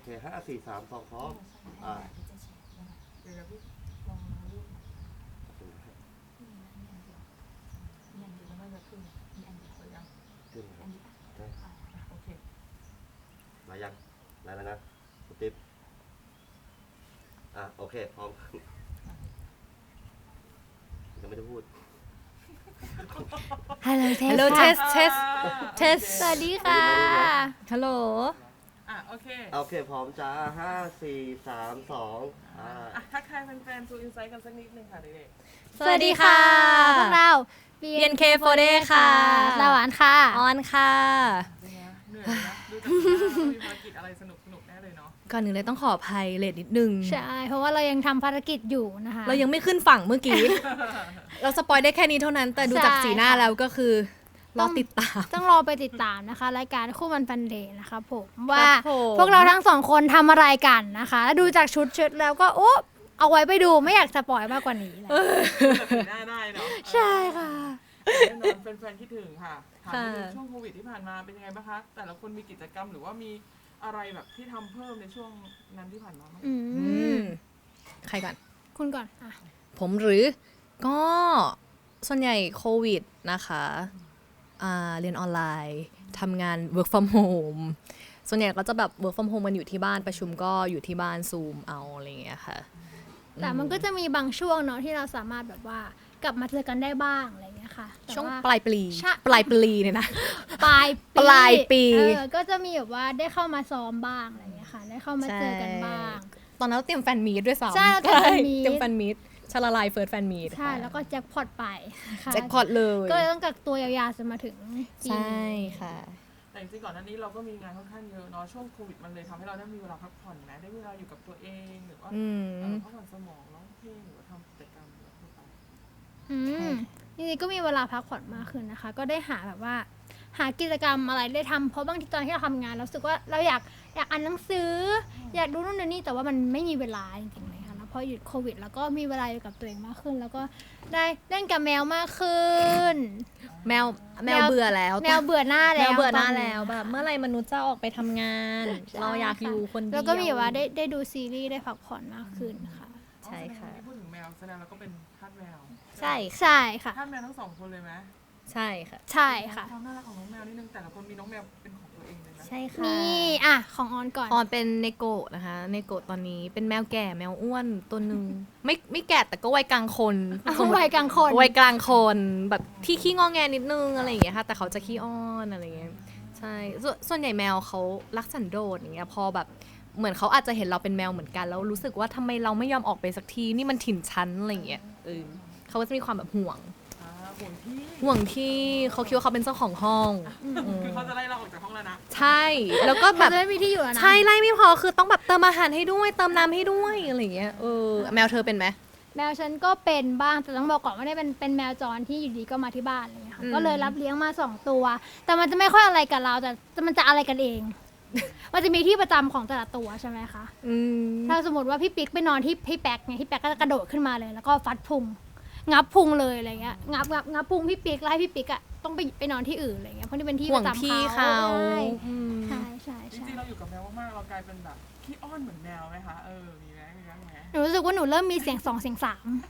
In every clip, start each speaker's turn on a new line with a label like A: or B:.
A: เค5 4 3 2พร้อม
B: เดี๋ยวพี่ลองรูปมีอันเดียวแล้วมันจะขึ้นมีอันเดียวยัง
A: ขึ้นค
B: อั
A: รับ
B: นนี้โอเค
A: มายังมาแล้วนะคุณติ๊บโอเคพร้อมยังไม่ได้พูด
C: Hello test test test
D: สวัสดีค่ะ
C: ฮัลโหล
B: โอเค
A: โอเคพร้อมจ้า5 4 3 2
B: ทักทายแฟนๆ True Insight กันสักนิดนึงค่ะเด็ก
D: สวัสดีค่ะ พวกเรา
C: BNK48 ค่ะ
D: สวรรค์ค่ะ
C: ออนค่ะ
B: ๆเป็นไงเหนื่อยนะดูจากหน้ามีภารกิจอะไรสนุกแน่เลยเนาะ
C: ก่อนหนึ่งเลยต้องขออภัยเลทนิดนึง
D: ใช่ เพราะว่าเรายังทำภารกิจอยู่นะคะ
C: เรายังไม่ขึ้นฝั่งเมื่อกี้ เราสปอยได้แค่นี้เท่านั้น แต่ดูจากสีหน้าแล้วก็คือรอติดตาม
D: ต้องรอไปติดตามนะคะ รายการคู่มันฟันเดย์นะคะผมว่า
C: ผม
D: พวกเราทั้งสองคนทำอะไรกันนะคะ แล้วดูจากชุดแล้วก็โอ้เอาไว้ไปดูไม่อยากสปอยมากกว่านี้แล้ว
B: แต่สีหน้าได้เนาะ
D: ใช่ค่ะ
B: แน่นอนแฟนๆคิดถึงค่ะถามนิดนึงช่วงโควิดที่ผ่านมาเป็นยังไงบ้างคะแต่ละคนมีกิจกรรมหรือว่ามีอะไรแบบที่ทำเพิ่มในช่วงนั้นที่ผ่านมาบ้าง
D: อื
C: อื
D: ม
C: มใครก่อน
D: คุณก่อนอ่ะ
C: ผมหรือก็ส่วนใหญ่โควิดนะคะเรียนออนไลน์ทำงาน work from home ส่วนใหญ่ก็จะแบบ work from home มันอยู่ที่บ้านประชุมก็อยู่ที่บ้านซูมเอาอะไรอย่างเงี้ยค่ะ
D: แต่มันก็จะมีบางช่วงเนาะที่เราสามารถแบบว่ากลับมาเจอกันได้บ้างอะไรอย่างเงี้ยค่ะแต่
C: ช่วง
D: ว่า
C: ปลายปี
D: ใช่
C: ปลายปีเนี่ยนะ
D: ปลาย
C: ปลายปี
D: ก็จะมีแบบว่าได้เข้ามาซ้อมบ้างอะไรอย่างเงี้ยค่ะ ได้เข้ามาเจอกันบ้าง
C: ตอนนั้นเราเตรียมแฟนมีตด้วยซ้ำ
D: ใช่เราเตรียมแฟนมีต
C: เตรียมแฟนมีตชาลาลายเฟิร์สแฟนมีต
D: ใช่แล้วก็แจ็คพอตไปค่ะ
C: แจ็คพอตเลย
D: ก็เลยต้องกักตัวยาวๆจนมาถึงปี
C: ใช่
D: นี้
C: ค่ะ
B: แต่จริงๆก่อนหน้านี้เราก็มีงานค่อนข้างเยอะเนาะช่วงโควิดมันเลยทำให้เราได้มีเวลาพักผ่อนไหมได้เวลาอยู่กับตัวเองหรือว่า
C: อืม
B: พักผ่อนสมองร้องเพลงหรือว่าทำกิจกรรมอะไรทั่วไป
D: อืมจริงๆก็มีเวลาพักผ่อนมากขึ้นนะคะ ก็ได้หาแบบว่า หากิจกรรมอะไรได้ทำเพราะบางทีตอนที่เราทำงานเรารู้สึกว่าเราอยากอ่านหนังสือ อยากดูนู่นดูนี่แต่ว่ามันไม่มีเวลาจริงๆเลยค่ะแล้วพอหยุดโควิด แล้วก็มีเวลาอยู่กับตัวเองมากขึ้น แล้วก็ได้เล่นกับแมวมากขึ้น
C: แมวเบื่อแล้ว
D: แมวเบื่อหน้า
C: แม
D: แล้ว
C: วเบื่อหน้า
D: ต
C: แล้วแบบเมื่อไหรมนุษย์จะออกไปทำงาน
D: ใช่
C: เราอยากอยู่คนเดียว
D: แล้วก็มีแบบว่าได้ดูซีรีส์ได้พักผ่อนมากขึ้นค่ะ
C: ใช่ค่ะ
B: ที่พูดถึงแมวแสดงเราก็เป็นทาสแมว
C: ใช่
D: ใช่ค่ะ
B: ทาสแมวทั้งสองคนเลยไหม
C: ใช่ค่ะ
D: ใช่ค่ะ
B: ความน่ารักของน้องแมวนิดนึงแต่ละคนมีน้องแมวเป็นของตัวเองเลยนะ
C: ใช่ค่ะ
D: นี่ของออนก่อน
C: ออนเป็นเนโกะนะคะเนโกะตอนนี้เป็นแมวแก่แมวอ้วนตัวหนึ่งไม่แก่แต่ก็วัยกลางคน
D: วัยกลางคน
C: วัยกลางคนแบบที่ขี้งอแงนิดนึงอะไรอย่างเงี้ยค่ะแต่เขาจะขี้อ้อนอะไรอย่างเงี้ยใช่ส่วนใหญ่แมวเขารักสันโดษอย่างเงี้ยพอแบบเหมือนเขาอาจจะเห็นเราเป็นแมวเหมือนกันแล้วรู้สึกว่าทำไมเราไม่ยอมออกไปสักทีนี่มันถิ่นชั้นอะไรอย่างเงี้ยเขาก็จะมีความแบบห่วง
B: ห่วงที่
C: ห่วงที่เขาคิดว่าเขาเป็นเจ้าของห้อง
B: คือเขาจะไล่เราออกจากห้องแล้วนะ
C: ใช่แล้วก็แบ
D: แบบ
C: บ
D: จะไม่มีที่อยู่แล้วนะ
C: ใช่ไล่ไม่พอคือต้องแบบเติมอาหารให้ด้วยเติมน้ำให้ด้วยอะไรอย่างเงี้ยแมวเธอเป็นไหม
D: แมวฉันก็เป็นบ้างแต่ต้องบอกก่อนว่าเนี่ยเป็นแมวจรที่อยู่ดีก็มาที่บ้านอะไรเงี้ยค่ะ
C: อืม
D: ก็เลยรับเลี้ยงมา2 ตัว แต่มันจะไม่ค่อยอะไรกับเราแต่มันจะอะไรกันเอง มันจะมีที่ประจำของแต่ละตัวใช่ไหมคะ ถ้าสมมติว่าพี่ปิ๊กไปนอนที่พี่แป๊กเนี่ยพี่แป๊กก็จะกระโดดขึ้นมาเลย แล้วก็ฟัดพุงงับพุงเลยอะไรเงี้ยงับพุงพี่ปิ๊กแล้วให้พี่ปิ๊กอะต้องไปนอนที่อื่นอะไรเงี้ยเพราะนี่เป็นที่
C: ห่
D: ป
C: วง
D: ระจำ
C: ที่
D: เขา
C: เขา
D: ใช่ใช่
B: จ
D: ใช่
B: ริงๆเราอยู่กับแมวมากๆเรากลายเป็นแบบขี้อ้อนเหมือนแมวไหมคะมีไหม
D: หนูรู้สึกว่าหนูเริ่มมีเสียง2เสียง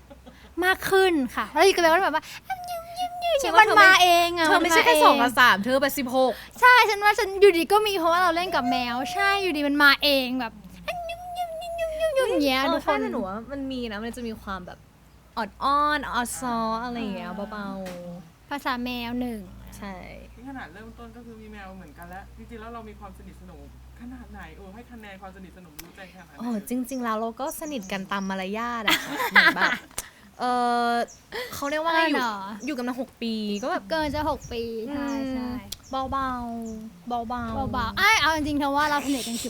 D: 3มากขึ้นค่ะแล้วอยู่กับแมวก็แบบว่ามันมาเองอะ
C: เธอไม่ใช่แค่
D: น
C: 2 กับ 3เธอไป16
D: ใช่ฉันว่าฉันอยู่ดีก็มีเพราะว่าเราเล่นกับแมว ใช่อยู่ดีมันมาเองแบบอย่างเงี้ยทุกค
C: ใช่
D: น
C: แต่หนูว่ามันมีนะมันจะมีความแบบออดอ้อนออดซออะไรอย่างเงี้ยเบา
D: ภาษาแมว1
C: ๆใช่
B: ที่ขนาดเริ่มต้นก็คือมีแมวเหมือนกันแล้วจริงๆแล้วเรามีความสนิทสนมขนาดไหนให้คะแนนความสนิทสนมรู้ใจขนาดไหน
C: อ๋อจริง ๆ แล้วเราก็สนิทกันตามมารยาทอะค่ะเหมือนแบบเขาเรียกว่าไงอยู่กันมา6 ปีก็แบบ
D: เกินจะ6 ปีใช่ใช่
C: เบาๆเบาๆ
D: เบาๆเอาจริงๆเธอว่าเราสนิทกัน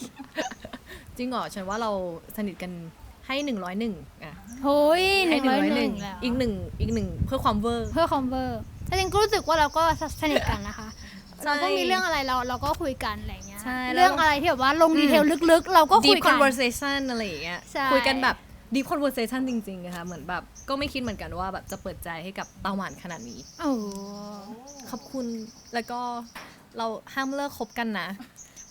D: 10%
C: จริงเหรอฉันว่าเราสนิทกันให้101อ่ะ
D: โอ้ย
C: ให้
D: 101แล้ว
C: อีกหนึ่งเพื่อความเวอร์
D: เพื่อคอมเวอร์แต่จริงๆก็รู้สึกว่าเราก็สนิทกันนะคะ
C: ใช่
D: เราก็มีเรื่องอะไรเราก็คุยกันอะไรเงี้ย
C: ใช่แล้ว
D: เรื่องอะไรที่แบบว่าลงดีเทลลึกๆ เราก็คุ
C: deep
D: ยกัน
C: conversation อะไรอย่างเงี้ย
D: ใช่
C: คุยกันแบบ deep conversation จริงๆนะคะเหมือนแบบก็ไม่คิดเหมือนกันว่าแบบจะเปิดใจให้กับตาหวานขนาดนี้
D: โอ้
C: ขอบคุณแล้วก็เราห้ามเลิกคบกันนะ เพ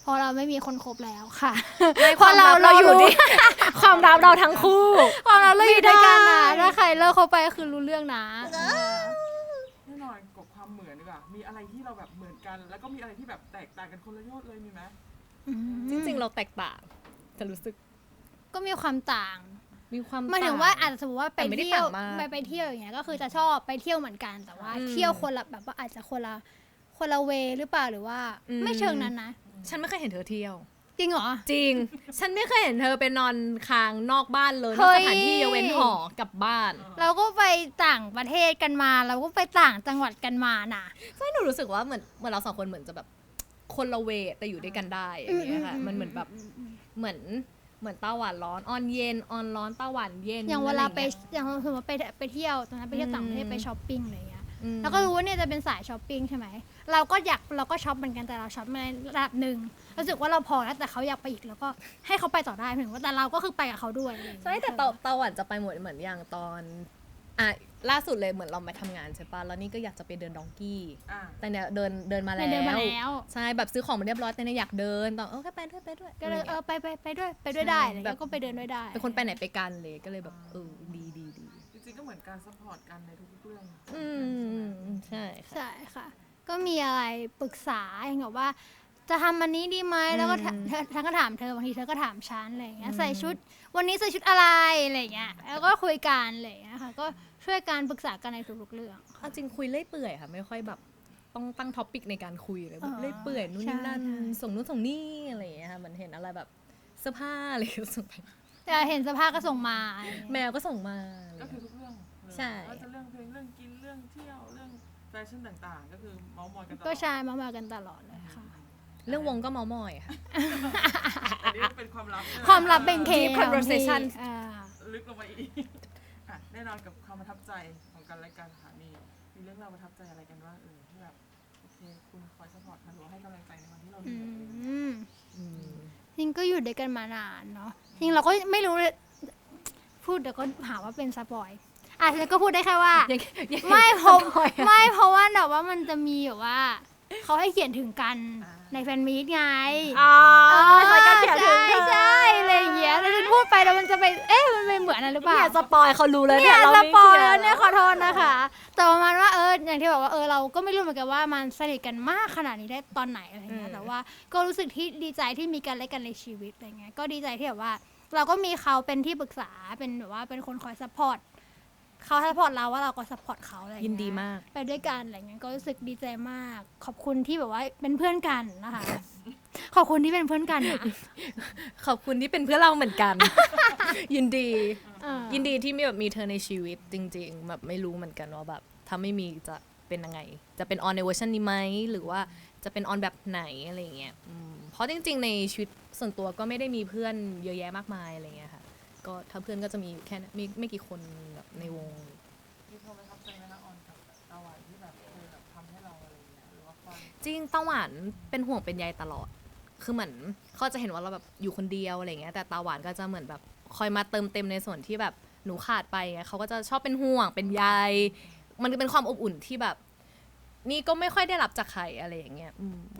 D: เพราะเราไม่มีคนคบแล้วค่ะ
C: ไม่
D: เพราะเราอยู่ดิ
C: ความรักเราทั้งคู่
D: ความเราอยู่ด้วยกันนะ
C: ไม่ได้
D: ถ้าใครเลิกเขาไปก็คือรู้เรื่องนะ
B: แน่นอนกับความเหมือนดีกว่ามีอะไรที่เราแบบเหมือนกัน แล้วก็มีอะไรที่แบบแตกต่างกันคนละยอดเลยมีไหม
C: จริงๆเราแตกต่างจะรู้สึก
D: ก็มีความต่าง
C: มีความ
D: หมายถึงว่าอาจจะสมมติว่าไป
C: แต่ไม่ได้
D: เที่ยว
C: ต่างมาก
D: ไปเที่ยวอย่างเงี้ยก็คือจะชอบไปเที่ยวเหมือนกันแต่ว่าเที่ยวคนละแบบว่าอาจจะคนละเวหรือเปล่าหรือว่าไม่เชิงนั้นนะ
C: ฉันไม่เคยเห็นเธอเที่ยว
D: จริงเหรอ
C: จริง ฉันไม่เคยเห็นเธอไปนอนค้างนอกบ้านเลยน
D: เฮ้
C: อก
D: ย
C: สถานที่ยกเว้นหอกลับบ้าน
D: เราก็ไปต่างประเทศกันมา เราก็ไปต่างจังหวัดกันมาน่ะ
C: ใช่หนูรู้สึกว่าเหมือนเราสองคนเหมือนจะแบบคนละเวทแต่อยู่ด้วยกันได้อย่างเงี้ยค่ะมันเหมือนแบบเหมือนต้าหวานร้อนออนเย็นออนร้อนต้าหวานเย็น
D: อย่างเวลาไป
C: อะรงี้ย
D: อย่างสมมติไปเที่ยวตอนนั้นไปเที่ยวต่างประเทศ
C: อืม
D: ไปช้อปปิ้งอะไรอย่างเงี้ย
C: อืม
D: เราก็รู้ว่าเนี่ยจะเป็นสายช้อปปิ้งใช่ไหมเราก็ช็อปเหมือนกันแต่เราช็อปในระดับหนึ่งรู้สึกว่าเราพอแล้วแต่เขาอยากไปอีกแล้วก็ให้เขาไปต่อได้ถึงว่าแต่เราก็คือไปกับเขาด้วยอะไรอย่างเงี้ย
C: ใช่แต่ตาหวานจะไปหมดเหมือนอย่างตอนล่าสุดเลยเหมือนเรามาทำงานใช่ปะแล้วนี่ก็อยากจะไปเดินดองกี้
B: อ่า
C: แต่เนี่ยเดินมา
D: เดิ
C: แล้
D: นมาแล้ว
C: ใช่แบบซื้อของมาเรียบร้อยแต่เนี่ยอยากเดินตอนก็ไปด้วย
D: ก็เลย
C: อะไรงี้
D: ไปด้วยได้อะไรเงี้ยก็ไปเดินด้วยได้
C: เป็นคนไปไหนไปกันเลยก็เลยแบบดี
B: จริงๆก็เหมือนการซัพพอร์ตกันในทุกๆเรื่อง
C: ใช่ค่ะ
D: ใช่ค่ะ ก็มีอะไรปรึกษาอย่างแบบว่า จะทำอันนี้ดีไหมแล้วก็ฉันก็ถามเธอบางทีเธอก็ถามฉันอะไรอย่างเงี้ยใส่ชุดวันนี้ใส่ชุดอะไรอะไรอย่างเงี้ยแล้วก็คุยกันอะไรอย่างเงี้ยค่ะก็ช่วยกันปรึกษากันในทุกๆเรื่อง
C: เอาจริงคุยเลื่อยเปื่อยค่ะไม่ค่อยแบบต้องตั้งท็อปิกในการคุยเลยแบบ
D: อ๋อ
C: เลื่อยเปื่อยนู่นนี่นั่น
D: ใช่
C: ส่งนู่นส่งนี่อะไรอย่างเงี้ยค่ะมันเห็นอะไรแบบเสื้อผ้าอะไรก็ส่งไป
D: แต่เห็นสภาพก็ส่งมาอะไรอย่าง
C: แม
D: เงี้ยว
C: ก็ส่งมา
B: ก็คือทุกเรื่องเลย
C: ใช่
B: ว่าจะเรื่องเพลงเรื่องกินเรื่องเที่ยวเรื่องแฟชั่นต่างๆ ก็คือเมาส์มอยกันตลอด
D: ก็ใช่มากันตลอดเลยค่ะ
C: เรื่องวงก็เมามอยค่ะ
B: อันนี้เป็นความลับใช่ไห
D: ความลับเป็นเค
C: Deep conversation
B: ลึกลงไปอีกอ่ะแน่นอนกับความประทับใจของกันและกันค่ะมีเรื่องราวประทับใจอะไรกันบ้างที่แบบโอเคคุณคอยซัพพอร์ตกันหรือว่าให้กำลังใจในวันที่เราเห
D: อื
B: นื่อย
D: มจริงก็อยู่ด้วยกันมานานเนาะจริงเราก็ไม่รู้เลยพูดเดี๋ยวก็หาว่าเป็นสปอยฉันก็พูดได้แค่ว่า ไม่เพราะว่าแบบว่ามันจะมีแบบว่าเขาให้เขียนถึงกันในแฟนมีตไง
C: เขาก็เขียนถึง
D: ใช่อะไรอย่างเงี้ยแล้วฉันพูดไปแล้วมันจะไปมันไปเหมือนอะไรหรือเปล่า
C: เนี่ยสปอยเขารู้แล้ว
D: เนี่
C: เนี่ย ยเรา
D: ส
C: ไม่
D: ปอย
C: เกี่ยว
D: แล้วเนี่ยขอโทษนะคะแต่ประมาณว่าอย่างที่บอกว่าเราก็ไม่รู้เหมือนกันว่ามันสนิทกันมากขนาดนี้ได้ตอนไหนอะไรเงี้ยแต่ว่าก็รู้สึกที่ดีใจที่มีกันและกันในชีวิตอะไรเงี้ยก็ดีใจที่แบบว่า เราก็มีเขาเป็นที่ปรึกษาเป็นแบบว่าเป็นคนคอยซัพพอร์ตเขาซัพพอร์ตเราว่าเราก็ซัพพอร์ตเขาอะไรเงี้
C: ยินดีมาก
D: ไปด้วยกันอะไรเงี้ยก็รู้สึกดีใจมาก ขอบคุณที่แบบว่าเป็นเพื่อนกันนะคะ ขอบคุณที่เป็นเพื่อนกันนะ
C: ขอบคุณที่เป็นเพื่อนเราเหมือนกัน ยินดี
D: เออ
C: ยินดีที่มีเธอในชีวิตจริงๆแบบไม่รู้เหมือนกันว่าแบบถ้าไม่มีจะเป็นยังไง จะเป็นออนในเวอร์ชันนี้ไหมหรือว่าจะเป็นออนแบบไหนอะไรอย่างเงี้ยเพราะจริงๆในชีวิตส่วนตัวก็ไม่ได้มีเพื่อนเยอะแยะมากมายอะไรเงี้ยค่ะก็ถ้าเพื่อนก็จะมีอยู่แค่นั้นไม่กี่คนแบบในวง
B: มีความประทับใจไหมคะออนกับตาหวานที่แบบเคยแบบทำให้เราอะไรอย่างเงี้ยหรือว่าความ
C: จริงตาหวานเป็นห่วงเป็นใยตลอด คือเหมือนเขาจะเห็นว่าเราแบบอยู่คนเดียวอะไรเงี้ย แต่ตาหวานก็จะเหมือนแบบคอยมาเติมเต็มในส่วนที่แบบหนูขาดไปไงเขาก็จะชอบเป็นห่วงเป็นใย มันเป็นความอบอุ่นที่แบบ นี่ก็ไม่ค่อยได้รับจากใครอะไรอย่างเงี้ย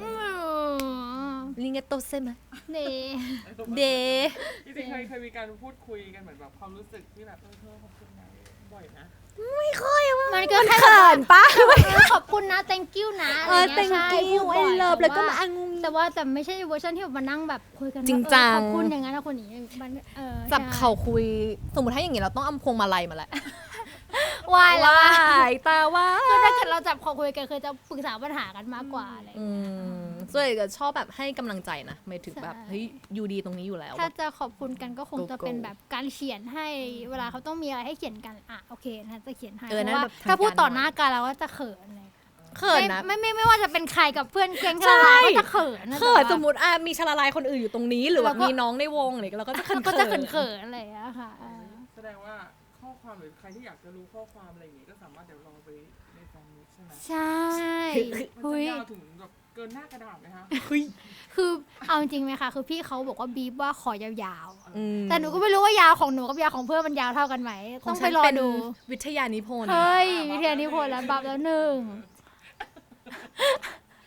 C: ลิงเกโตเซมะ
D: เน่
C: เด
B: จริงๆเคยมีการพูดคุยกันเหมือนแบบความรู้สึกที่แบบเธอขอบคุณนะบ่อยนะ
D: มันก็แค่
C: เขินปะ
D: ขอบคุณนะ thank you นะอะไรเงี้ย
C: thank
D: ใช่
C: you
D: พูดบ่อย
C: I love แล้วก็มา
D: แต่ไม่ใช่เวอร์ชันที่แบบมานั่งแบบคุยกันว่า
C: จริงจัง
D: ขอบคุณอย่างนั้นนะคนนี้มัน
C: จับ
D: ใช่
C: เข่าคุย สมมติถ้าอย่างงี้เราต้องเอาพวงมาลัยมาแหละ
D: วายแล้ว
C: ว้า
D: อะ
C: ยตาว่า
D: คือถ้าเกิดเราจับคอคุยกันเคยจะปรึกษาปัญหากันมากกว่าอะไร
C: ส่วนใหญ่จะชอบแบบให้กำลังใจนะหมายถึงแบบ
D: ใช่
C: เฮ้ยอยู่ดีตรงนี้อยู่แล้ว
D: ถ้าจะขอบคุณกันก็คงจะ
C: Go
D: เป็นแบบการเขียนให้เวลาเขาต้องมีอะไรให้เขียนกันโอเคนะจะเขียนให้
C: เออ
D: เพ
C: นั่น
D: ราะว่า
C: แบบทาง
D: ถ้าพูดต่อ
C: การ
D: หน้ากันเราก็จะเขินเลย
C: เขินนะ
D: ไม่ว่าจะเป็นใครกับเพื่อนแก๊ง
C: ใช่
D: เราก็จะเขินนะ
C: เขิน
D: แต่ว่า
C: สมมติมีชาลาลายคนอื่นอยู่ตรงนี้ หรือแบบ
D: เราก็
C: มีน้องในวงอะไรเราก็จะเขิน
D: ก็จะเขินๆอะไรอย่างเงี้ยค่ะ
B: แสดงว่าข้อความหรือใครที่อยากจะรู้ข้อความอะไรอย่างงี้ก็สามารถเดี๋ยวลองไปในแฟนมิตใช่ไหม
D: ใช่
B: มัน
D: เฮ้
B: จะ
D: ย
B: ยาวถึงแบบเกินหน้ากระดาษไหมคะ
D: คือเอาจริงไหมคะคือพี่เขาบอกว่าบีบว่าขอยาว
C: อืม
D: ๆแต่หนูก็ไม่รู้ว่ายาวของหนูกับยาวของเพื่อนมันยาวเท่ากันไหม
C: ข
D: ต้อง
C: ฉั
D: ไป
C: น
D: รอ
C: เป็น
D: ดู
C: วิทยานิพนธ์
D: เฮ้ยวิทยานิพนธ์แล้วบับแล้วหนึ่ง
B: ใน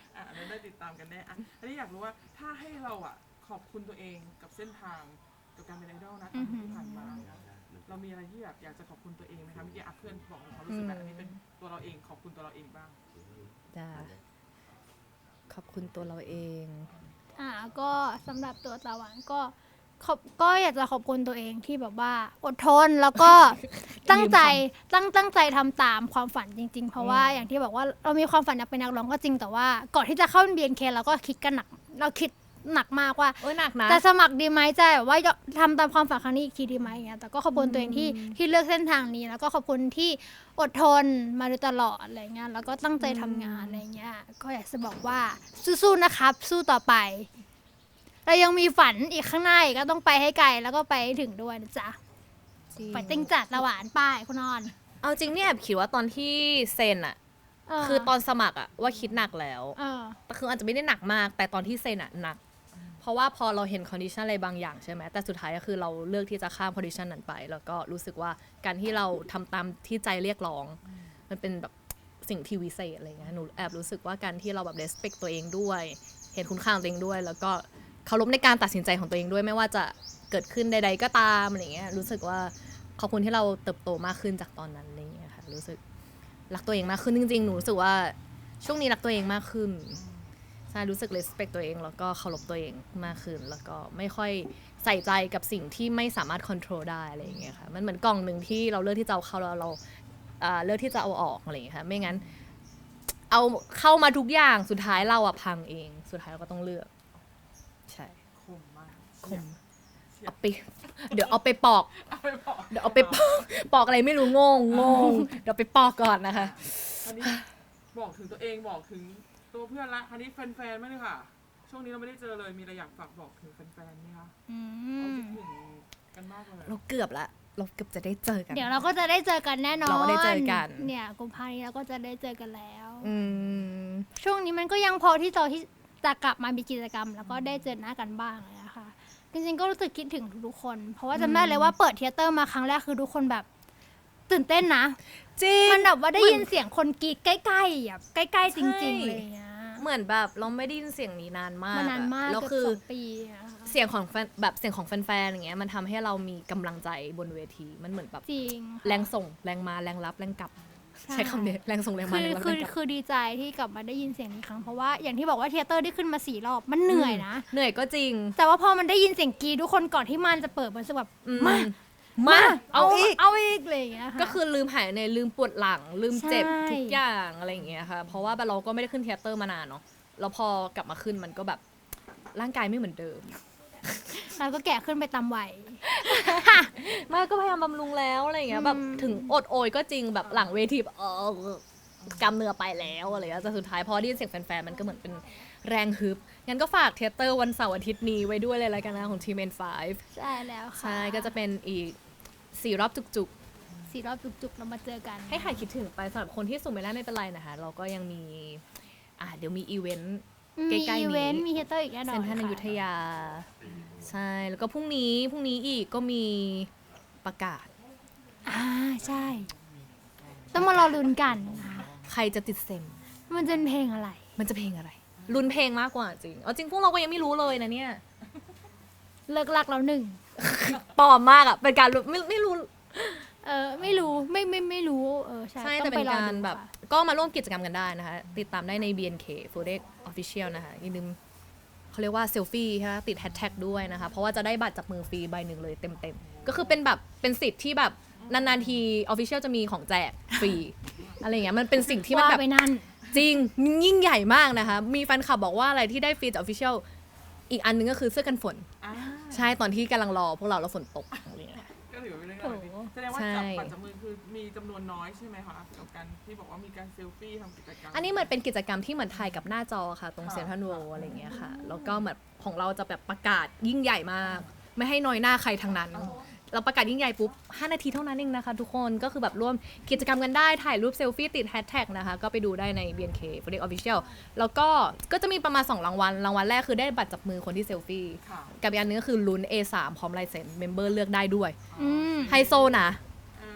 B: ได้ติดตามกันแน่อันนี้อยากรู้ว่าถ้าให้เราขอบคุณตัวเองกับเส้นทางกับการเป็นไอดอลนะที่ผ่านมาเรามีอะไรที่แบบอยากจะขอบคุณตัวเองไหมคะเมื่อกี้เพื่อนบอกเขารู้สึกแบบอันนี้เป็นตัวเราเองขอบคุณตัวเราเองบ้าง
C: จ้าขอบคุณตัวเราเอง
D: ก็สำหรับตัวตะวันก็อยากจะขอบคุณตัวเองที่แบบว่าอดทนแล้วก็ ตั้งใจทำตามความฝันจริงๆ เพราะว่าอย่างที่บอกว่าเรามีความฝันอยากเป็นนักร้องก็จริงแต่ว่าก่อนที่จะเข้า BNK เราก็คิดกันหนักเราคิดหนักมากว่า
C: โอ้ยหนักนะ
D: จะสมัครดีไหมจะแบบว่าทำตามความฝันครั้งนี้อีกทีดีไหมอย่างเงี้ยแต่ก็ขอบคุณตัวเองที่เลือกเส้นทางนี้แล้วก็ขอบคุณที่อดทนมาโดยตลอดอะไรเงี้ยแล้วก็ตั้งใจทำงานอะไรเงี้ยก็อยากจะบอกว่าสู้ๆนะครับสู้ต่อไปเรายังมีฝันอีกข้างหน้าอีกก็ต้องไปให้ไกลแล้วก็ไปให้ถึงด้วยนะจ๊ะไปติ้งจัดละหวานป้ายคุณนอน
C: เอาจริงเนี่ยแอบคิดว่าตอนที่เซ็นอะคือตอนสมัครอะว่าคิดหนักแล้วแต่คืออาจจะไม่ได้หนักมากแต่ตอนที่เซ็นอะหนักเพราะว่าพอเราเห็นคอนดิชันอะไรบางอย่างใช่ไหมแต่สุดท้ายก็คือเราเลือกที่จะข้ามคอนดิชันนั้นไปแล้วก็รู้สึกว่าการที่เราทำตามที่ใจเรียกร้องมันเป็นแบบสิ่งที่วิเศษอะไรเงี้ยหนูแอบรู้สึกว่าการที่เราแบบ respect ตัวเองด้วยเห็นคุณค่าของตัวเองด้วยแล้วก็เคารพในการตัดสินใจของตัวเองด้วยไม่ว่าจะเกิดขึ้นใดๆก็ตามอะไรเงี้ยรู้สึกว่าขอบคุณที่เราเติบโตมากขึ้นจากตอนนั้นอะไรเงี้ยค่ะรู้สึกรักตัวเองมากขึ้นจริงๆหนูรู้สึกว่าช่วงนี้รักตัวเองมากขึ้นใช่รู้สึก respect ตัวเองแล้วก็เคารพตัวเองมากขึ้นแล้วก็ไม่ค่อยใส่ใจกับสิ่งที่ไม่สามารถ control ได้อะไรอย่างเงี้ยค่ะมันเหมือนกล่องหนึ่งที่เราเลือกที่จะเอาเข้าแล้วเราเลือกที่จะเอาออกอะไรอย่างเงี้ยค่ะไม่งั้นเอาเข้ามาทุกอย่างสุดท้ายเราพังเองสุดท้ายเราก็ต้องเลือกใช่
B: คมมาก
C: คมเอาไปเดี๋ยวเอาไปปอก เดี๋ยวเอาไปปอกอะไรไม่รู้งงเดี๋ยวไปปอกก่อนนะคะ
B: อันนี้บอกถึงตัวเองบอกถึงตัวเพื่อนละอันนี้แฟนๆไม่เลยค่ะช่วงนี้เราไม่ได้เจอเลยมีอะไรอยากฝากบอกถึงแฟนๆไหมคะเขาคิดถึงกันมากเลย
C: เราเกือบจะได้เจอกัน
D: เดี๋ยวเราก็จะได้เจอกันแน่นอน
C: เราก็ได้เจอกัน
D: เนี่ยกุมภาพันธ์นี้เราก็จะได้เจอกันแล้ว
C: อืม
D: ช่วงนี้มันก็ยังพอที่จะกลับมามีกิจกรรม แล้วก็ได้เจอหน้ากันบ้างนะคะจริงๆก็รู้สึกคิดถึงทุกๆคน เพราะว่าจำได้เลยว่าเปิดเทยเตอร์มาครั้งแรกคือทุกคนแบบตื่นเต้นนะ
C: จริง
D: มันแบบว่าได้ยินเสียงคนกรีดใกล้ๆแบบใกล้ๆจริงๆเลยเงี้ย
C: เหมือนแบบเราไม่ได้ยินเสียงนี้นานมาก
D: มานานมาก
C: แล้ว
D: เกือบ
C: คือ
D: 2 ปีอะค่ะ
C: เสียงของแฟนแบบเสียงของแฟนๆอย่างเงี้ยมันทำให้เรามีกำลังใจบนเวทีมันเหมือนแบบ
D: จริง
C: แรงส่งแรงมาแรงรับแรงกลับใช้คำนี้แรงส่งแรงมาแรงรับแรงกลับ
D: คือดีใจที่กลับมาได้ยินเสียงนี้ครั้งเพราะว่าอย่างที่บอกว่าเทยเตอร์ได้ขึ้นมา4 รอบมันเหนื่อยนะ
C: เหนื่อยก็จริง
D: แต่ว่าพอมันได้ยินเสียงกรีดทุกคนก่อนที่มันจะเปิดมันจะแบบ
C: มาเอาอีก
D: เอาอีกเลยอย่างเงี้ยค่ะ
C: ก็คือลืมหายในลืมปวดหลังลืมเจ็บ
D: ใช่
C: ทุกอย่างอะไรอย่างเงี้ยค่ะเพราะว่าเราก็ไม่ได้ขึ้นเทยเตอร์มานานเนาะแล้วพอกลับมาขึ้นมันก็แบบร่างกายไม่เหมือนเดิม
D: เราก็แก่ขึ้นไปตามวัย
C: ไม่ก็พยายามบำรุงแล้วอะไรอย่างเงี้ยแบบถึงอดโอยก็จริงแบบหลังเวทีแบบกำเนื้อไปแล้วอะไรอย่างเงี้ยแต่สุดท้ายพอได้ยินเสียงแฟนๆมันก็เหมือนเป็นแรงฮึบงั้นก็ฝากเทยเตอร์วันเสาร์อาทิตย์นี้ไว้ด้วยเลยละกันนะของทีม N5
D: ใช่แล้วค่ะ
C: ใช่ก็จะเป็นอีก4 รอบจุกๆ
D: 4 รอบจุกๆเรามาเจอกัน
C: ให้หายคิดถึงไปสำหรับคนที่สุ่มไม่ได้ไม่เป็นไรนะคะเราก็ยังมีเดี๋ยวมีอีเวนต์ ใกล้ๆนี้
D: มีอีเวนต์มีเทยเตอร์อีกแน่นอน
C: เซ็นทรัลอยุธยาใช่แล้วก็พรุ่งนี้อีกก็มีประกาศ
D: ใช่ ต้องมารอลุ้นกันนะคะ
C: ใครจะติดเซม
D: มันจะเป็นเพลงอะไร
C: มันจะเพลงอะไรลุ้นเพลงมากกว่าจริงเอาจริงพวกเราก็ยังไม่รู้เลยนะเนี่ย
D: เลิกลักแล้วหนึ่ง
C: ปลอมมากอ่ะเป็นการไม่รู้
D: ไม่รู้ไม่รู้ใช่
C: ใช่
D: ต้
C: แต่
D: อง
C: เป็น
D: ไปรอ
C: การ
D: ดู
C: แบบ
D: ค่ะ
C: ก็มาร่วมกิจกรรมกันได้นะคะติดตามได้ใน BNK Fodex Official นะคะอย่าลืมเขาเรียกว่าเซลฟี่ใช่ไหมติดแฮชแท็กด้วยนะคะเพราะว่าจะได้บัตรจับมือฟรีใบหนึ่งเลยเต็มก็คือเป็นแบบเป็นสิทธิ์ที่แบบนานๆที Official จะมีของแจกฟรีอะไรอย่างเงี้ยมันเป็นสิ่งที่มัน
D: ว่า
C: แบบ
D: ไปนั่น
C: จริงยิ่งใหญ่มากนะคะมีแฟนคลับบอกว่าอะไรที่ได้ฟรีจาก Official อีกอันนึงก็คือเสื้อกันฝนใช่ตอนที่กำลังรอพวกเราแล้วฝนตกอะไรอย่างเงี้ย
B: ก็ถือว่าเป็นเรื่องราวดีแสดงว่าจับปัจจับมือคือมีจำนวนน้อยใช่ไหมคะกับการที่บอกว่ามีการเซลฟี่ทำกิจกรรม
C: อันนี้เหมือนเป็นกิจกรรมที่เหมือนถ่ายกับหน้าจอค่ะ ตรงเซ็นทรัลเวิลด์อะไรอย่างเงี้ยค่ะแล้วก็เหมือนของเราจะแบบประกาศยิ่งใหญ่มาก ไม่ให้น้อยหน้าใครทั้งนั้น เราประกาศยิ่งใหญ่ปุ๊บ5 นาทีเท่านั้นเองนะคะทุกคนก็คือแบบร่วมกิจกรรมกันได้ถ่ายรูปเซลฟี่ติดแฮชแท็กนะคะก็ไปดูได้ใน BNK Fodex Official แล้วก็จะมีประมาณ2 รางวัลแรกคือได้บัตรจับมือคนที่เซลฟี่กับอีกอันนึงก็คือลุ้น A3 พร้อมลายเซ็นเมมเบอร์เลือกได้ด้วยไฮโซนะ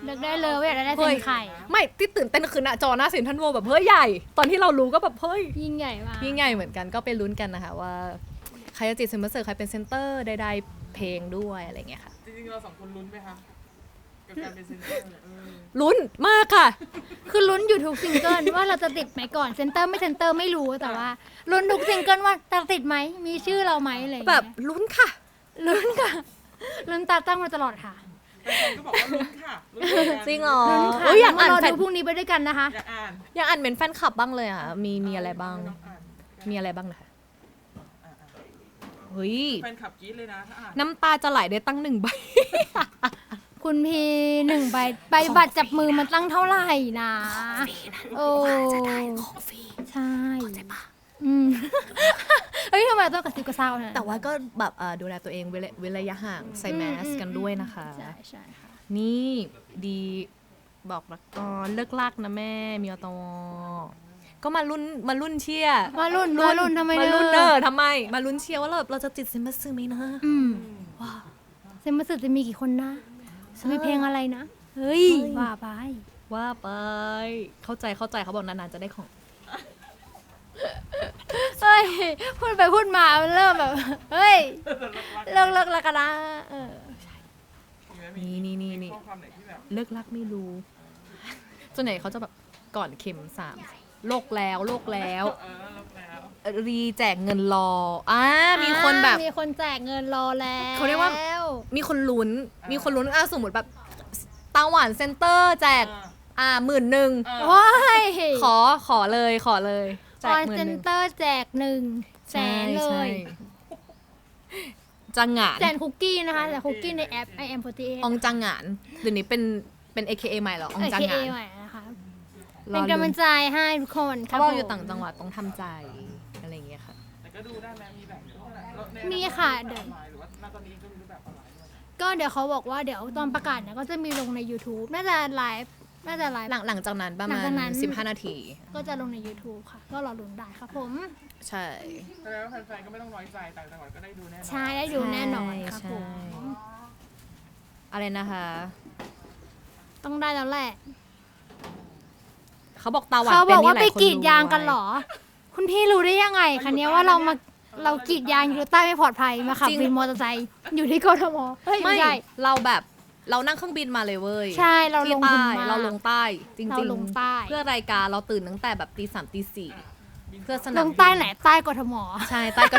D: เลือกได้เลยว่าอยากได้
C: เฮ้
D: เซ็
C: ย
D: นใคร
C: ไม่ที่ตื่นเต้นคือหน้าจอหน้าเซ็นทรัลเวิลด์แบบเฮ้ยใหญ่ ตอนที่เรารู้ก็แบบเฮ้ย
D: ยิ่งใหญ่มาก
C: ยิ่งใหญ่เหมือนกันก็ไปลุ้นกันนะคะว่าใครจะจิตเซมเบอร์เซอร์ใครเป็นเซนเตอร์ใดๆเพลงด้วยอะไรเงี้ยค่ะ
B: จริงๆเรา2คนลุ้นไหมคะกับการเป็นเซนเตอร์
C: ลุ้นมากค่ะ
D: คือลุ้นอยู่ทุกซิงเกิลว่าเราจะติดไหมก่อนเซนเตอร์ไม่เซนเตอร์ไม่รู้แต่ว่าลุ้นทุกซิงเกิลว่าจะติดไหมมีชื่อเราไหมอะไรอย่าง
C: แบ
D: เงี้
C: บ
D: ย
C: ลุ้นค่ะ
D: ลุ้นค่ะลุ้นตาตั้งมาตลอดค่ะ
B: แฟนๆก็บอกว่าลุ้นค่ะลุ้นเหมือนกัน
C: จริงเหรอ
D: ลุ้นค่ะ
C: เอ้ยอยากอ่าน
D: เรา
C: แฟ
D: ดู
C: น
D: พรุ่งนี้ไปด้วยกันนะคะ
B: อยากอ่าน
C: อยากอ่านเป็นแฟนคลับบ้างเลยอ่ะมีอะไรบ้าง
B: น้องอ่าน
C: มีอะไรบ้างนะคะ
B: อ่าน
C: เฮ้ย
B: แฟนคลับกรี๊ดเลยนะถ้าอ่าน
C: น้ำตาจะไหลได้ตั้ง1 ใบ
D: คุณพี1 ใบบัตรจับมือมันตั้งเท่าไหร่นะโอ้ใช่อืมเฮ้ยทำไมต้องกระซิบกระซาวนะ
C: แต่ว่าก็แบบดูแลตัวเองเว้นระยะห่างใส่แมสกันด้วยนะคะ
D: ใช่ใช่ค่ะ
C: นี่ดีบอกรักก่อนเลิกลากนะแม่มีอตวก็มารุ่นเชียร์
D: มารุ่นทำไม
C: มา
D: เน
C: รุ่น
D: อะ
C: ทำไมมารุ่นเชียร์ว่าเราจะติดเซมบัสซึไหมนะ
D: อืม
C: ว้า
D: เซมบัสสึจะมีกี่คนนะจะมีเพลงอะไรนะเฮ้ยว่าไป
C: ว่าไปเข้าใจเขาบอกนานๆจะได้ของ
D: เฮ้ยพูดไปพูดมามันเริ่มแบบเฮ้ยเลิกแล้วกันนะเออ
C: นี่
B: ข้อความไหนที่แบบ
C: เลิกรักไม่รู้ส่วนใหญ่เขาจะแบบก่อนเข็ม3โลกแล้ว
B: แล้วแล้ว
C: รีแจกเงินรอมีคนแบบ
D: มีคนแจกเงินรอแล้ว
C: เขาเรียกว่า มีคนลุ้นสมมติแบบตาหวานเซ็นเตอร์แจก11,000
D: ว้าย
C: ขอเลยแจ
D: อก อน
C: 10,000
D: เซนเตอร์แจก100,000เลย
C: จังหงาน
D: แจกคุกกี้นะคะแต่คุกกี้ในแอป I am 48
C: องจังหงานเดี๋ยวนี้เป็น AKA ใหม่เหรอองจังห
D: AKA
C: งาน
D: ใหม่นะคะเป็นกำลังใจให้ทุกคนค
C: เขา
D: รับ
C: บอกอยู่
D: ผม
C: ต่างจังหวัดต้องทำใจอะไรอย่างเงี้ยค่ะ
B: แต่ก็ดูได้ไหมมีแบบ
D: มีค่ะเดี๋
B: เดี๋
D: ย
B: ยว วหรือว่าณตอนนี้ก็มีรูปแบบออนไลน์ด้วย
D: ก็เดี๋ยวเขาบอกว่าเดี๋ยวตอนประกาศเนี่ยก็จะมีลงใน YouTube น่าจะไลฟ์
C: หลังจากนั้นประ
D: หลั
C: มาง
D: จาก
C: ณ
D: นั้น
C: 15 นาที
D: ก็จะลงใน YouTube ค่ะ ก็รอลุ้นได้ครับผม
C: ใช่
B: แสดงว่าแฟนๆก็ไม่ต้องน้อยใจต่างจังหวัดก็ได้ดูแน่นอน
D: ใช่ได้ดูแน่นอนครับ
C: ใช่
D: ผม
C: อะไรนะคะ
D: ต้องได้แล้วแหละ
C: เขาบอกตาหวาน
D: เขา
C: เป็
D: บ
C: น
D: อก
C: นี่
D: ว่า
C: ห
D: ไป
C: ลายคน
D: กรีดยาง
C: รู้
D: กันเหรอ คุณพี่รู้ได้ยังไงคะเนี้ยว่าเรากรีดยางอยู่ใต้ไม่ปลอดภัยมาขับวินมอเตอร์ไซค์อยู่ที่กทมเฮ้ย
C: ไม่
D: ไม่ใช่
C: เรานั่งเครื่องบินมาเลยเว้ย
D: ใช่เราล
C: ที่
D: ง
C: ใต้
D: ทุนมาก
C: เราลงใต้จริง
D: เราลงใต้
C: เพื่อรายการเราตื่นตั้งแต่แบบตี 3ตี 4เพื่อส
D: ล
C: นาม
D: งใต้ไหนใต้กทม
C: ใช่ใต้ก็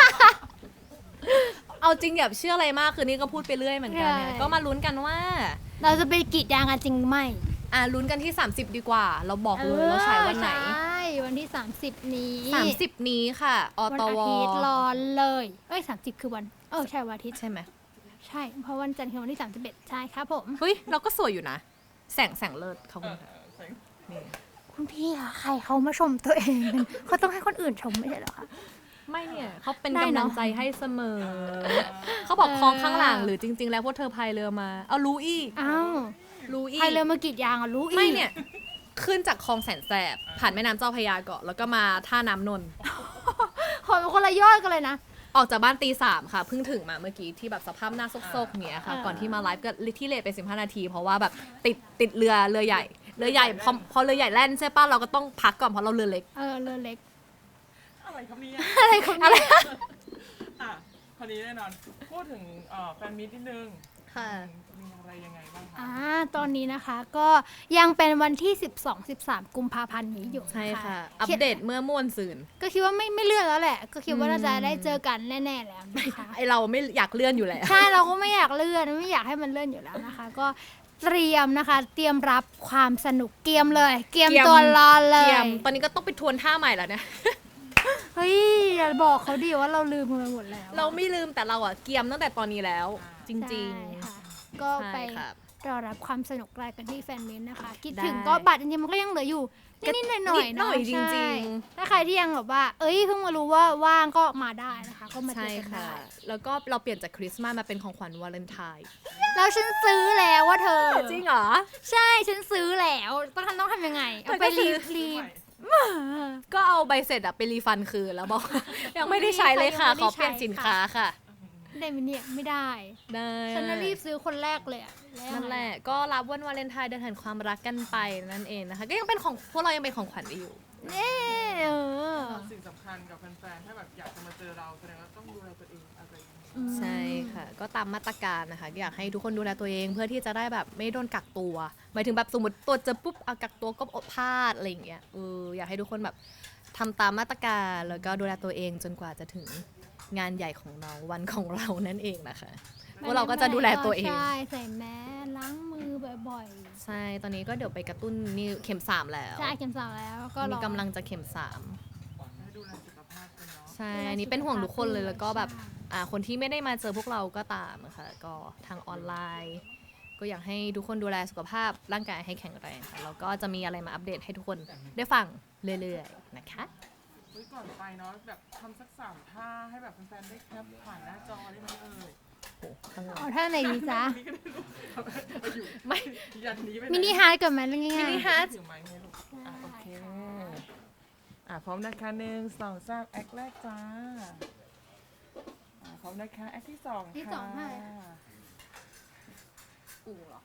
C: เอาจริงอย่าเชื่ออะไรมากคือนี่ก็พูดไปเรื่อยเหมือนกันเนี่ย
D: ใช่
C: ก็มาลุ้นกันว่า
D: เราจะไปกรีดยางกันจริงหรือไม่
C: ลุ้นกันที่ 30 ดีกว่า เราบอกเลยว่าฉายวันไหน
D: ใช่วันที่ 30 นี้
C: 30 นี้ค่ะอ
D: วัน
C: ต
D: อาว ทิตย์รอเลย30 คือวันใช่วันอาทิตย์
C: ใช่ไหม
D: ใช่เพราะวันจันทร์คือวันที่31ใช่ครับผม
C: เฮ้ยเราก็สวยอยู่นะ แสงเลิศเขาคุณค่ะนี่
D: คุณพี่คะใครเขามาชมตัวเองเป็นเขาต้องให้คนอื่นชมไม่ใช่เหรอคะ
C: ไม่เนี่ยเขาเป็น
D: ได้
C: กำ
D: เน
C: ลั
D: อะ
C: งใจให้เสมอ เขาบอกคลองข้างหลังหรือจริง ๆ แล้วพวกเธอพายเรือมาเอารู้อีก
D: อ้าว
C: รู้อีก
D: ใครเริ่มมากรีดยางอ่ะรู้อีก
C: ไม่เนี่ย ขึ้นจากคลองแสนแสบผ่านแม่น้ำเจ้าพระยาก่อนแล้วก็มาท่าน้ำนนท์
D: ขอเป็นคนละยอดกันเลยนะ
C: ออกจากบ้านตี 3ค่ะเพิ่งถึงมาเมื่อกี้ที่แบบสภาพหน้าซกๆเนี้ยค่ะ ก่อนที่มาไลฟ์ก็ที่เลทไป15 นาที เพราะว่าแบบติดเรือใหญ่พอเรือใหญ่แล่นใช่ป่ะเราก็ต้องพักก่อนเพราะเราเรือเล็ก
D: เรือเล็ก
B: อะไรครับเนี่ย
D: อะไรของ
C: อะไร
B: อ่ะคราวนี้แน่นอน พูดถึงแฟนมิตรนิดนึง
C: ค่ะ
B: มีอะไรยังไงบ้างคะ
D: ตอนนี้นะคะก็ยังเป็นวันที่ 12-13 กุมภาพันธ์นี้อยู่
C: ใช่ค่ะ
D: น
C: อัปเดตเมื่อม่วนซืน
D: ก็คิดว่าไม่เลื่อนแล้วแหละ ก็คิดว่าน่าจะได้เจอกันแน่ๆแล้วนะคะ
C: ไอเราไม่อยากเลื่อนอยู่แล้ว
D: ใช่เราก็ไม่อยากเลื่อนไม่อยากให้มันเลื่อนอยู่แล้วนะคะ ก็เตรียมนะคะ เตรียมรับความสนุกเกียมเลย เกียมตัวรอเล
C: เกี
D: ย
C: ยมตอนนี้ก็ต้องไปทวนท่าใหม่แล้วเนี่ย
D: เฮ้ยอย่าบอกเขาดิว่าเราลืมไปหมดแล้ว
C: เราไม่ลืมแต่เราอะเกียมตั้งแต่ตอนนี้แล้ว จริง
D: ใช่ค่ะ ก็
C: ใช่
D: ไป
C: ครับ
D: รอรับความสนุกรายกันที่แฟนมินนะคะคิด
C: ได้
D: ถึงก็บัตรจริงๆมันก็ยังเหลืออยู่นิดๆหน่อย
C: นิด
D: ๆ
C: หน่อย
D: เะ
C: จริงๆ
D: ใช่ถ้าใครที่ยังแบบว่า เอ้ยเพิ่งมารู้ว่าว่างก็มาได้นะคะ ก็มาเจ
C: ใช่
D: อกัน
C: ค่ะ
D: ได้
C: แล้วก็เราเปลี่ยนจากคริสต์มาสมาเป็นของขวัญวาเลนไทน์
D: แล้วฉันซื้อแล้วว่าเธอ
C: จริงเหรอ
D: ใช่ฉันซื้อแล้วต้องทำยังไงเอาไป
C: เธอก็ซื้
D: รี
C: อ
D: บ
C: ก็เอาใบเสร็จอะไปรีฟันคืนแล้วบอก ยังไม่ได้ใช้เลยค่ะ ขอเปลี่ยนสินค้าค่ะ
D: ได้ไหมเนี่ยไม่ได้
C: ได้
D: ฉันน่ะรีบซื้อคนแรกเลยอะว
C: นั่นแหละ ก็รับวันวาเลนไทน์เดือนแห่งความรักกันไปนั่นเองนะคะ ก็ยังเป็นของพวกเรายังเป็นของขวัญอยู่
D: เน่อ
B: สิ่งสำคัญกับแฟนๆถ้าแบบอยากจะมาเจอเราแสดงว่าต้องดูแลตัวเองอะไรอย่างเงี้ย
C: ใช่ค่ะ ก็ตามมาตรการนะคะ อยากให้ทุกคนดูแลตัวเองเพื่อที่จะได้แบบไม่โดนกักตัว หมายถึงแบบสมมติตัวเจอปุ๊บเอากักตัวก็อดพลาดอะไรอย่างเงี้ยอยากให้ทุกคนแบบทำตามมาตรการแล้วก็ดูแลตัวเองจนกว่าจะถึงงานใหญ่ของเราวันของเรานั่นเองนะคะพวกเราก็จะดูแลตัวเอง
D: ใช่ใส่แมสล้างมือบ่อย
C: ใช่ ตอนนี้ก็เดี๋ยวไปกระตุ้นนี่เข็ม 3 แล้ว
D: ๆใช่เข็มสามแล้วก็ร
C: มี
D: อก
C: ำลังจะเข็ม 3
B: ให้ดูแลสุขภาพกันเนาะ
C: ใช่ อันนี้เป็นห่วงทุกคนเลยแล้วก็แบบคนที่ไม่ได้มาเจอพวกเราก็ตามค่ะก็ทางออนไลน์ ก็อยากให้ทุกคนดูแลสุขภาพร่างกายให้แข็งแรงค่ะแล้วก็จะมีอะไรมาอัปเดตให้ทุกคนได้ฟังเรื่อยๆนะคะ
B: เฮ้ยก่อนไปเนาะแบบทำสัก3 ท่าให้แบบแฟนๆได้แคปผ่านหน้าจอได้ไหมเอ่ย
D: เอาท่าไหนดีจ๊ะ
B: นี่ก็ได้ลูกไปอยู่
C: ไม่
B: ยันนี้ไปไห
D: มินิฮาร์ดก่อนไหมเรื่องง่ายๆ
C: มินิฮาร์ท
B: ถือไม้ให้ลูกโอเคพร้อมนะคะ1 2 3แอคแรกจ้าพร้อมนะคะแอคที่2
D: ที่
B: ค่ะ
D: สองท่าอะไร
C: อูเหรอ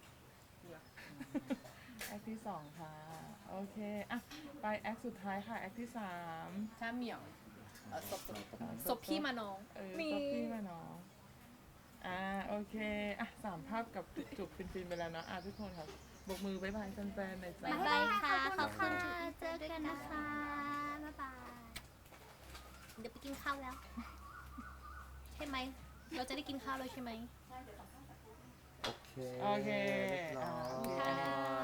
B: แอคที่2ค่ะโอเคไปแอคสุดท้ายค่ะแอคที่3
C: ถ้าเหมียวศพพี่มาน้อง
B: ซบพี่มาเนาะโอเค3 ภาพกับจุบฟินๆไปแล้วเนาะทุกคนครับบกมือบ๊ายบายแฟนๆหน่อยจ้า
C: บ๊ายบายค่ะ
D: ขอบคุณค่ะเจอกันนะคะบ๊ายบาย
C: เดี๋ยวไปกินข้าวแล้ว ใช่ไหม เราจะได้กินข้าวแล้วใช่ไหม
A: โอเค
B: โอเค
A: เรียบร้อย
B: ค่ะ